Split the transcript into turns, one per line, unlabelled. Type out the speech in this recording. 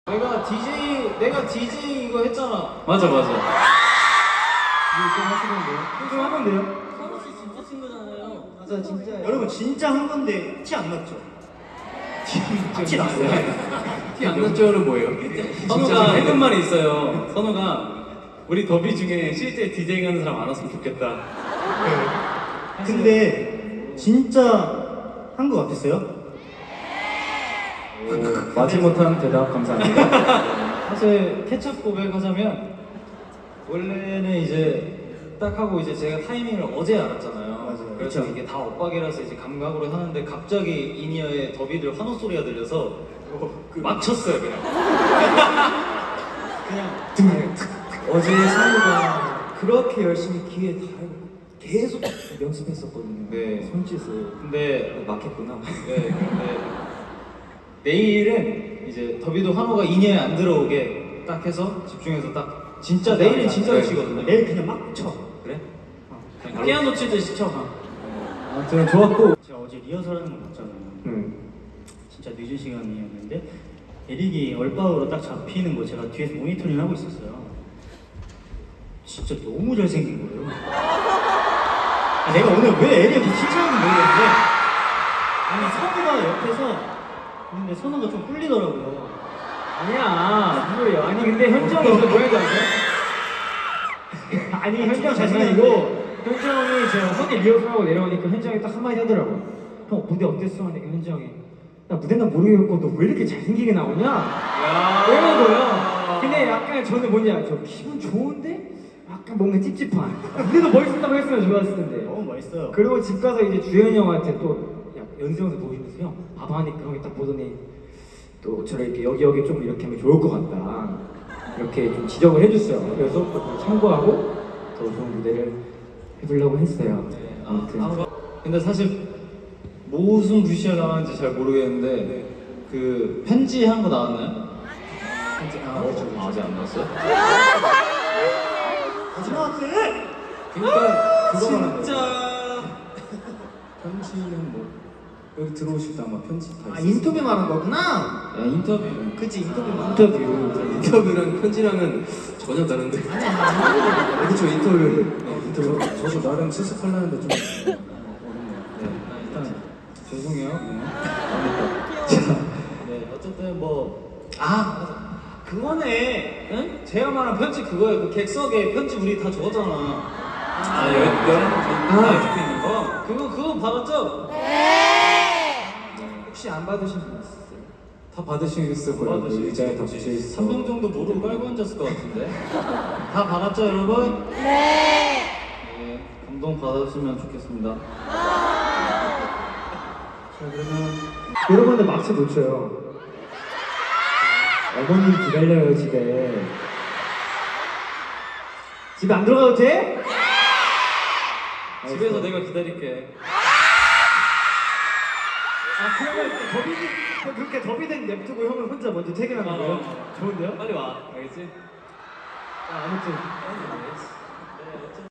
내가 DJ 이거 했잖아.
맞아.
이거 좀 하시던데요?
좀 하던데요?
선우 씨 진짜 친구잖아요.
맞아 진짜 여러분 진짜 한 건데 티 안 났죠? 티 났어요.
티 안 났죠는 뭐예요? 선우가 해본 말이 있어요. 선우가 우리 더비 중에 실제 디제잉 하는 사람 안 왔으면 좋겠다.
근데 진짜 한 거 같았어요?
마지 못한 대답 감사합니다.
사실 케첩 고백하자면 원래는 이제 딱 하고 이제 제가 타이밍을 어제 알았잖아요.
맞아요.
그래서
그쵸.
이게 다 엇박이라서 이제 감각으로 하는데 갑자기 이니어에 더비들 환호 소리가 들려서 막 쳤어요 그냥.
어제 상우가 그렇게 열심히 기회 다 알고 계속 연습했었거든요.
네.
손짓을.
근데
막혔구나.
네, 근데 내일은 이제 더비도 환호가 이니어에 안 들어오게 딱 해서 집중해서 딱 진짜 내일은 진짜로
네.
치거든요.
내일 그냥 막 쳐.
그래? 피아노 치듯이 쳐.
아무튼 좋았고.
제가 어제 리허설하는 거 봤잖아요. 진짜 늦은 시간이었는데 에릭이 얼빠으로 딱 잡히는 거 제가 뒤에서 모니터링 하고 있었어요. 진짜 너무 잘생긴 거예요. 내가 오늘 왜 에릭한테 칭찬하는지 모르겠는데 아니 선우가 옆에서 근데 선우가 좀 꿀리더라고요.
아니야. 무슨 소리야. 아니 근데 현정이 진짜 뭐였지 아세요? 아니 현정 잘생기고 현정이 제가 선이 리허설하고 내려오니까 현정이 딱 한마디 하더라고. 형 무대 어땠어? 하니까 현정이 나 무대는 모르겠고 너 왜 이렇게 잘생기게 나오냐? 이러는 거예요. 근데 약간 저는 뭔지 알죠? 기분 좋은데? 약간 뭔가 찝찝한. 무대도 멋있었다고 했으면 좋았을 텐데.
너무 멋있어요.
그리고 집 가서 이제 주현이 형한테 또 연습 영상 보이면서 형 봐봐 하니까 형이 딱 보더니 또 저를 이렇게 여기 좀 이렇게 하면 좋을 것 같다 이렇게 좀 지적을 해줬어요. 그래서 또 그걸 참고하고 더 좋은 무대를 해보려고 했어요.
네,
아무튼
근데 사실 무슨 VCR 나왔는지 잘 모르겠는데 그 편지한 거 나왔나요? 편지 아직 안 나왔어요?
하지 마, 쌤!
그러니까 그거 말하는
진짜
편지는 뭐 여기 들어오실 때 아마 편지 다
아
있어요.
인터뷰 말한 거구나.
야, 인터뷰.
그치 인터뷰 말한
인터뷰랑 편지랑은 전혀 다른데. 그렇죠 인터뷰. 저도 나름 수습하려는데 좀 어렵네요.
일단 죄송해요. 네, 어쨌든 맞아. 그거네. 응? 제가 말한 편지 그거예요. 그 객석에 편지 우리 다 적었잖아. 적혀 있는 거. 그거 받았죠?
혹시 안 받으신 분 있으세요?
다 받으시겠을 거예요. 그 의자에 다 붙여 있어.
3명 정도 무릎 깔고 앉았을 것 같은데. 다 받았죠, 여러분? 네. 감동 받았으면 좋겠습니다.
자 그러면 여러분들 막차 놓쳐요. 어머님 기다려요 집에. 집에 안 들어가도 돼?
집에서 내가 기다릴게.
그러면 그렇게 더비된 냅두고 형은 혼자 먼저 퇴근하는 거예요? 좋은데요?
빨리 와. 알겠지?
아무튼